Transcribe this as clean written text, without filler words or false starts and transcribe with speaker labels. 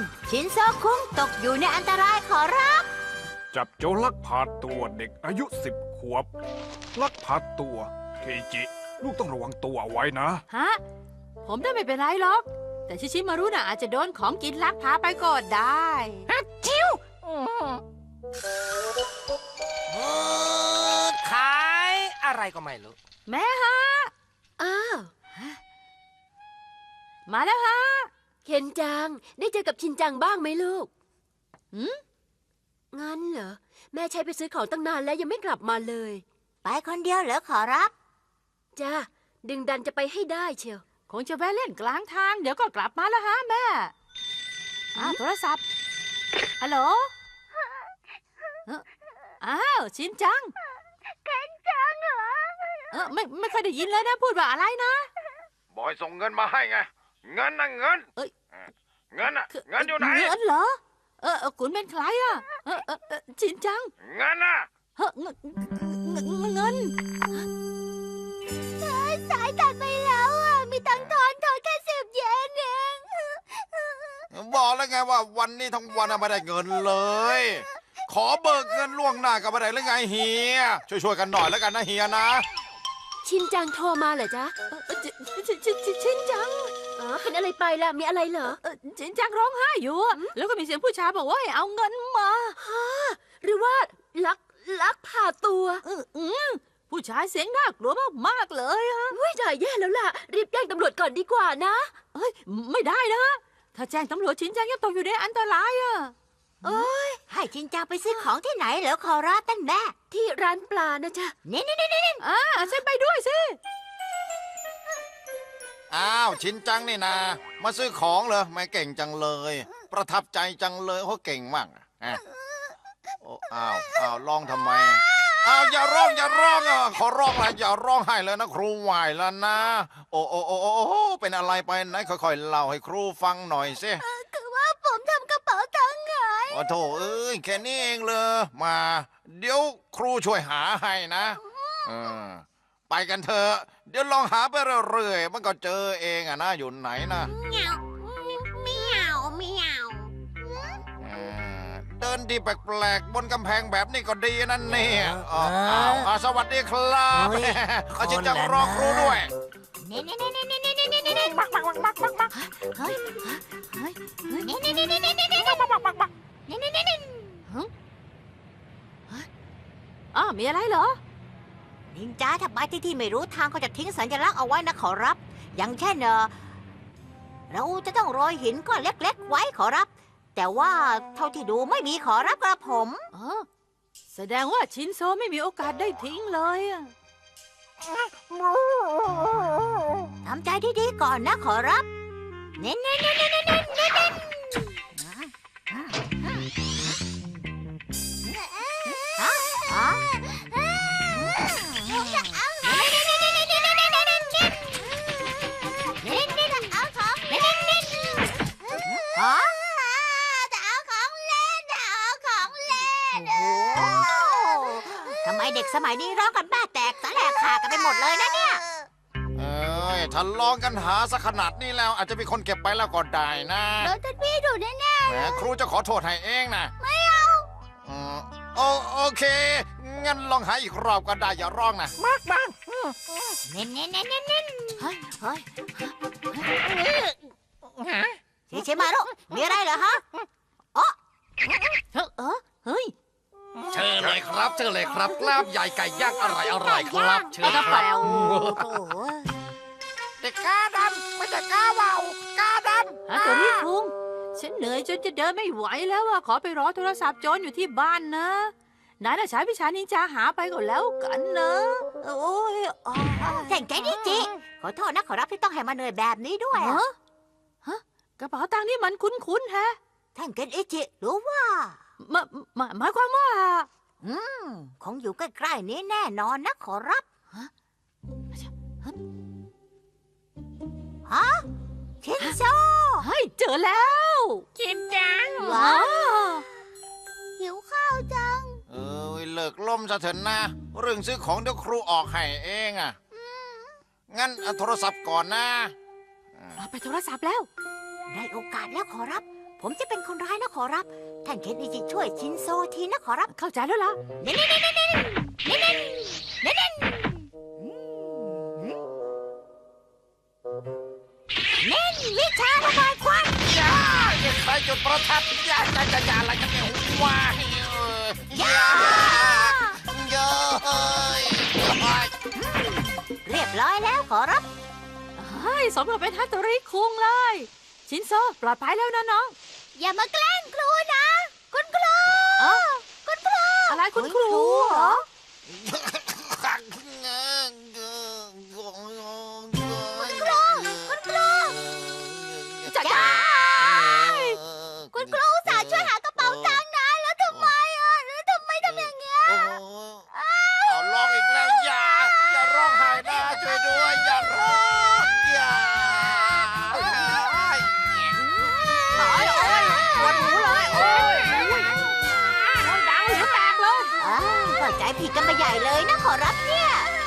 Speaker 1: ชินโซคุงตกอยู่ในอันตรายขอรับ
Speaker 2: จับโจรลักพาตัวเด็กอายุ10 ขวบลักพาตัวเคจิ ลูกต้องระวังตัวเอาไว้นะ
Speaker 3: ฮะ ผมได้ไม่เป็นไรหรอก แต่ชิชิมารุน่ะอาจจะโดนของกินลักพาไปก็ได้จิ้ว
Speaker 4: ขายอะไรก็ไม่รู้
Speaker 3: แม่ฮะ
Speaker 5: อ้าว
Speaker 3: มาแล้วฮะ
Speaker 5: เคนจัง ได้เจอกับชินจังบ้างไหมลูก
Speaker 3: หืม
Speaker 5: งั้นเหรอ แม่ใช้ไปซื้อของตั้งนานแล้วยังไม่กลับมาเลย
Speaker 1: ไปคนเดียวเหรอขอรับ
Speaker 5: จ้าดึงดันจะไปให้ได้เชียว
Speaker 3: คงจะแวะเล่นกลางทาง เดี๋ยวก็กลับมาแล้วฮะแม่โทรศัพท์ ฮัลโหลอ้าวชินจังเคนจังเหรอไม่เคยได้ยินเลยนะ พูดว่าอะไรนะ
Speaker 2: บอยส่งเงินมาให้ไง เงินนะเงิน
Speaker 3: เอ้ย
Speaker 2: เงินน่ะเงินอยู่ไหน
Speaker 3: เงินเหรอ คุณเป็นใครอ่ะชินจัง
Speaker 2: เงินน่ะ
Speaker 3: เงิน
Speaker 1: สายตัดไปแล้วอ่ะ มีตังค์ทอนแค่10 เยนเอง
Speaker 6: บอกแล้วไงว่าวันนี้ทั้งวันไม่ได้เงินเลย ขอเบิกเงินล่วงหน้ากับไม่ได้หรือไงเฮียช่วยกันหน่อยแล้วกันนะเฮียนะ
Speaker 5: ชินจังโทรมาเหรอจ๊ะ
Speaker 3: ชินจัง
Speaker 5: อ๋อเป็นอะไรไปล่ะ มีอะไรเหรอ
Speaker 3: ชินจังร้องไห้อยู่อะแล้วก็มีเสียงผู้ชายบอกว่าให้เอาเงินมา
Speaker 5: หรือว่าลักพาตัว
Speaker 3: ผู้ชายเสียงน่ากลัวมากๆเลยอะ
Speaker 5: เฮ้ยได้แย่แล้วล่ะ รีบแจ้งตำรวจก่อนดีกว่านะ
Speaker 3: เอ้ยไม่ได้นะ ถ้าแจ้งตำรวจชินจังยังตกอยู่ในอันตรายอะ
Speaker 1: ให้ชินจังไปซื้อของที่ไหนเหรอขอรับท่านแม่
Speaker 5: ที่ร้านปลานะจ๊ะ
Speaker 1: นี่
Speaker 3: ฉันไปด้วยสิ
Speaker 6: อ้าวชินจังนี่นามาซื้อของเหรอไม่เก่งจังเลย ประทับใจจังเลยเขาเก่งมากอ่ะโอ้อ้าวร้องทำไมอ้าวอย่าร้องอ่ะขอร้องละอย่าร้องไห้เลยนะครูไหวแล้วนะ โอ้เป็นอะไรไปไหนค่อยๆเล่าให้ครูฟังหน่อยสิ
Speaker 1: คือว่าผมทำกระเป๋าตังค์หาย
Speaker 6: โอ้โถเอ้ยแค่นี้เองเลยมา เดี๋ยวครูช่วยหาให้นะไปกันเถอะเดี๋ยวลองหาไปเรื่อยๆมันก็เจอเองอะนะอยู่ไหนนะ
Speaker 1: เมียว
Speaker 6: เดินดีแปลกๆบนกำแพงแบบนี้ก็ดีนั่นเนี่ยอ้าวสวัสดีครับอาจารย์จะรอครูด้วย
Speaker 1: นี่
Speaker 3: มีอะไรเหรอ
Speaker 1: นินจาถ้าไปที่ไม่รู้ทางก็จะทิ้งสัญลักษณ์เอาไว้นะขอรับ อย่างเช่นเราจะต้องโรยหินก้อนเล็กๆไว้ขอรับ แต่ว่าเท่าที่ดูไม่มีขอรับกระผม
Speaker 3: แสดงว่าชินโซไม่มีโอกาสได้ทิ้งเลยอะ
Speaker 1: ทำใจดีๆก่อนนะขอรับ เน้นทำไมเด็กสมัยนี้ร้องกันบ้าแตกสาแหลกขากันไปหมดเลยนะเนี่ย
Speaker 6: เอ้ยถ้าลองกันหาสักขนาดนี้แล้วอาจจะมีคนเก็บไปแล้วก็ได้นะ
Speaker 1: โดนท่านพี่ดุแน่
Speaker 6: แหมครูจะขอโทษให้เองนะไม่เอาโอเคงั้นลองหาอีกรอบก็ได้อย่าร้องนะ
Speaker 1: ๆเน้นเฮ้ยชิชิมารุมีอะไรเหรอฮะเฮ้ย
Speaker 4: เชิญเลยครับเชิญเลยครับกล้ามใหญ่ไก่ย่างอร่อยครับเชิญครับ
Speaker 6: เด็กกาดำไม่ใช่กาว่าวกาดำ
Speaker 3: ตัวนี้คุงฉันเหนื่อยจนจะเดินไม่ไหวแล้วอะขอไปรอโทรศัพท์โจรอยู่ที่บ้านนะนายน่ะใช้วิชานินจาหาไปก็แล้วกันนะโอ้ย
Speaker 1: แข่งแกนิจิขอโทษนะขอรับที่ต้องให้มาเหนื่อยแบบนี้ด้วย
Speaker 3: ฮะกระเป๋าตังค์นี่มันคุ้นๆแฮะ
Speaker 1: ท่านเกนอิจิรู้ว่า
Speaker 3: หมายความว่า
Speaker 1: คงอยู่ใกล้ๆนี้แน่นอนนะขอรับฮะชินโซ
Speaker 3: เฮ้ยเจอแล้วชินจังว้าว
Speaker 1: หิวข้าวจัง
Speaker 6: เลิกล่มซะเถอะนะเรื่องซื้อของเดี๋ยวครูออกให้เองอ่ะงั้นเอาโทรศัพท์ก่อนนะ
Speaker 3: ไปโทรศัพท์แล้ว
Speaker 1: ได้โอกาสแล้วขอรับผมจะเป็นคนร้ายนะขอรับ ท่านเคนอิจิช่วยชินโซทีนะขอรับ
Speaker 3: เข้าใจแล้วล่ะ
Speaker 1: เน้นเน้นเน้นเน้นเน้นเน้นเน้นเน้นเน้นวิชาระบายควัน
Speaker 6: อย่าอย่าใส่จุดประทัดอย่าอะไรกันเนี่ยว้ายอย่าอย่าเฮ้ย
Speaker 1: เรียบร้อยแล้วขอรับ
Speaker 3: เฮ้ยสมกับเป็นฮัตโตริคุงเลย ชินโซปลอดภัยแล้วนะน้อง
Speaker 1: อย่ามาแกล้งครูนะ คุณครู คุณครู
Speaker 3: อะไรคุณครูเหรอ
Speaker 1: จ้าคุณครูอุตส่าห์ช่วยหากระเป๋าตังค์นะ แล้วทำไมแล้วทำไมทำอย่างเงี้ย
Speaker 6: เอาร้องอีกแล้วอย่าร้องไห้นะช่วยด้วยอย่าร้องอย่า
Speaker 3: โอ้ยปวดหูเลยโอ้ยดังหูแตกเลย
Speaker 1: เข้าใจผิดกันไปใหญ่เลยนะขอรับเนี่ย